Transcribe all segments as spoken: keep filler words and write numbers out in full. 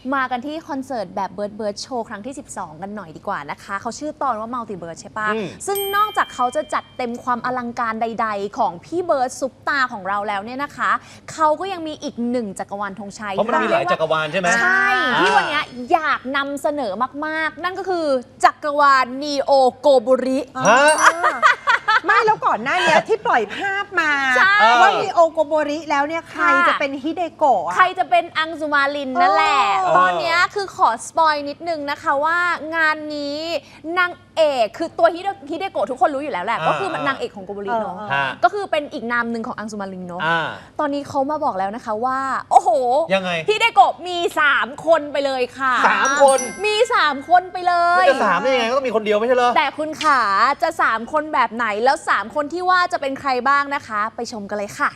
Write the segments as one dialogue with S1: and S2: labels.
S1: มากันที่คอนเสิร์ตแบบเบิร์ดเบิร์ดโชว์ครั้งที่สิบสองกันหน่อยดีกว่านะคะเขาชื่อตอนว่ามัลติเบิร์ดใช่ปะซึ่งนอกจากเขาจะจัดเต็มความอลังการใดๆของพี่เบิร์ดซุปตาของเราแล้วเนี่ยนะคะเขาก็ยังมีอีกหนึ่งจักรวาลธงชัย
S2: เพราะมันมีหลายจักรวาลใช่ไหม
S1: ใช่ที่วันนี้อยากนำเสนอมากๆนั่นก็คือจักรวาลนีโอโกโบริ
S3: ไม่แล้วก่อนหน้านี้ที่ปล่อยภาพมาว่ามีโอโกโบริแล้วเนี่ยใครจะเป็นฮิเดโกะ
S1: ใครจะเป็นอังสุมาลินนั่นแหละตอนนี้คือขอสปอยนิดนึงนะคะว่างานนี้นางเอกคือตัวฮิเดโกะทุกคนรู้อยู่แล้วแหละก็คือนางเอกของโกโบริเนาะก็คือเป็นอีกนามหนึ่งของอังสุมาลินเนาะตอนนี้เขามาบอกแล้วนะคะว่าโอ้โห
S2: ยังไง
S1: ฮิเดโกะมีสามคนไปเลยค่ะ
S2: สามคน
S1: มีสามคนไปเลย
S2: จะสามได้ยังไงก็ต้องมีคนเดียวไม่ใช่เหรอ
S1: แต่คุณขาจะสามคนแบบไหนแล้วสามคนที่ว่าจะเป็นใครบ้างนะคะไปชมกันเลยค่ะ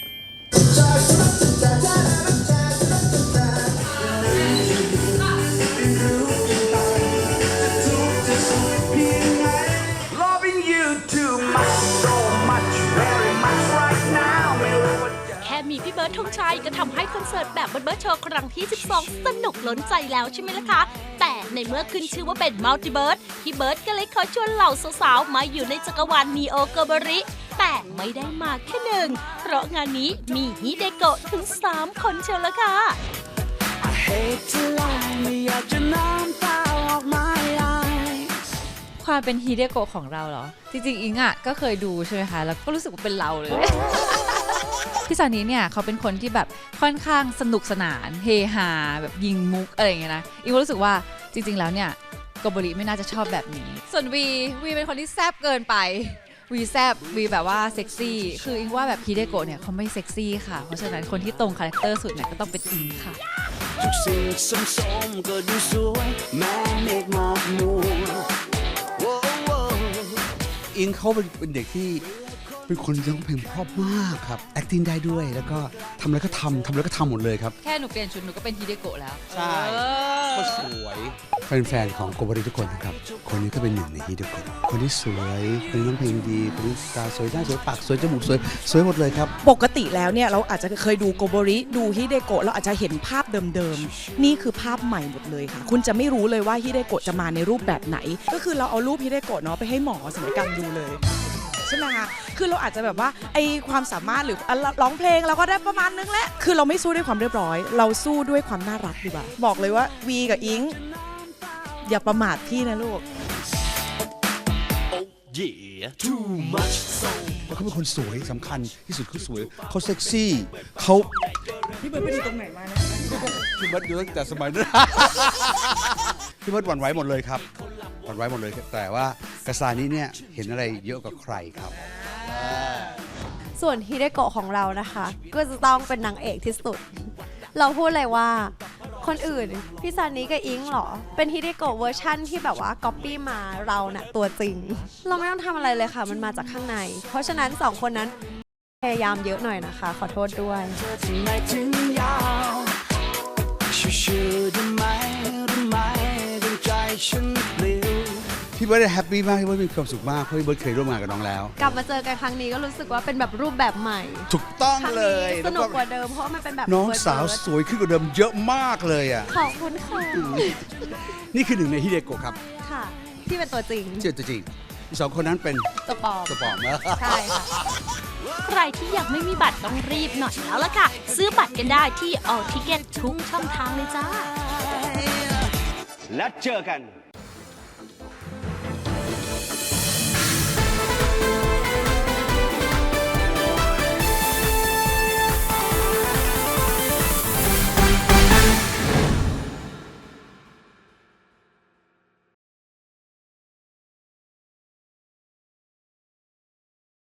S4: แค่มีพี่เบิร์ดธงชัยก็ทำให้คอนเสิร์ตแบบเบิร์ดเบิร์ดโชว์ครั้งที่สิบสองสนุกล้นใจแล้วใช่ไหมล่ะคะแต่ในเมื่อขึ้นชื่อว่าเป็นมัลติเบิร์ดพี่เบิร์ดก็เลยขอชวนเหล่าสาวๆมาอยู่ในจักรวาลนีโอโกโบริแต่ไม่ได้มาแค่หนึ่งเพราะงานนี้มีฮิเดโกะถึงสามคนเชียวละค่ะ
S5: ความเป็นฮิเดโกะของเราเหรอจริงๆอิงอ่ะก็เคยดูใช่ไหมคะแล้วก็รู้สึกว่าเป็นเราเลยพี่ซานิเนี่ยเขาเป็นคนที่แบบค่อนข้างสนุกสนานเฮฮาแบบยิงมุกอะไรอย่างเงี้ยนะอิงรู้สึกว่าจริงๆแล้วเนี่ยโกโบริไม่น่าจะชอบแบบนี้ส่วนวีวีเป็นคนที่แซ่บเกินไปวีแซบวีแบบว่าเซ็กซี่คืออิงว่าแบบฮิเดโกะเนี่ยเขาไม่เซ็กซี่ค่ะเพราะฉะนั้นคนที่ตรงคาแรคเตอร์สุดเนี่ยก็ต้องเป็นอิงค่ะทุกสิ่งสมๆก็ดูสวยแม้เมฆหมอกมัว
S6: อิงเขาเป็นเด็กที่เป็นคนร้องเพลงเพราะมากครับ acting ได้ด้วยแล้วก็ทำอะไรก็ทำทำอะไรก็ทำหมดเลยครับ
S5: แค่หนูเปลี่ยนชุดหนูก็เป็นฮิเดโกะแล้ว
S6: ใช่ก็สวยแฟนๆของโกโบริทุกคนนะครับคนนี้ก็เป็นหนึ่งในฮิเดโกะคนที่สวยคนที่ร้องเพลงดีคนที่ตาสวยหน้าสวยปากสวยจมูกสวยสวยหมดเลยครับ
S3: ปกติแล้วเนี่ยเราอาจจะเคยดูโกโบริดูฮิเดโกะเราอาจจะเห็นภาพเดิมๆนี่คือภาพใหม่หมดเลยค่ะคุณจะไม่รู้เลยว่าฮิเดโกะจะมาในรูปแบบไหนก็คือเราเอารูปฮิเดโกะเนาะไปให้หมอศัลยกรรมดูเลยใช่ไหมคะคือเราอาจจะแบบว่าไอความสามารถหรือร้องเพลงเราก็ได้ประมาณนึงแหละคือเราไม่สู้ด้วยความเรียบร้อยเราสู้ด้วยความน่ารักดีกว่าบอกเลยว่าวีกับอิงอย่าประมาทพี่นะลูก
S6: แล้วเขาเป็นคนสวยสำคัญที่สุดเขาสวยเขาเซ็กซี่เขา
S3: พี่เบิร์ดไปดูตรงไหนมานะ
S6: พี่เบิร์ดดูตั้งแต่สมัยนั้นพี่เบิร์ดหวั่นไหวหมดเลยครับหวั่นไหวหมดเลยแต่ว่ากระซานี้เนี่ยเห็นอะไรเยอะกว่าใครครับ
S7: ส่วนฮิเดโกะของเรานะคะก็จะต้องเป็นนางเอกที่สุดเราพูดเลยว่าคนอื่นพี่ซานิกับอิงหรอเป็นฮิเดโกะเวอร์ชั่นที่แบบว่าก๊อปปี้มาเราเน่ะตัวจริงเราไม่ต้องทำอะไรเลยค่ะมันมาจากข้างในเพราะฉะนั้นสองคนนั้นพยายามเยอะหน่อยนะคะขอโทษด้วย
S6: พี่เบิร์ดแฮปปี้มากพี่เบิร์ดมีความสุขมากเพราะพี่เบิร์ดเคยร่วมงานกับน้องแล้ว
S7: กลับมาเจอกันครั้งนี้ก็รู้สึกว่าเป็นแบบรูปแบบใหม่
S6: ถูกต้องเลย
S7: สนุกกว่าเดิมเพราะมันเป็นแบบ
S6: น้องสาวสวยขึ้นกว่าเดิมเยอะมากเลยอ่ะ
S7: ขอบคุณค่ะ
S6: นี่คือหนึ่งในฮิเดโกะครับ
S7: ค่ะที่เป็นตัวจริง
S6: เชื่อตัวจริงอีกสองคนนั้นเป็น
S7: ตัวปลอม
S6: ตัวปลอมนะ
S7: ใช่ค่ะ
S4: ใครที่ยังไม่มีบัตรต้องรีบหน่อยแล้วล่ะค่ะซื้อบัตรกันได้ที่ All Ticket ทุกช่องทางเลยจ้า
S2: และเจอกัน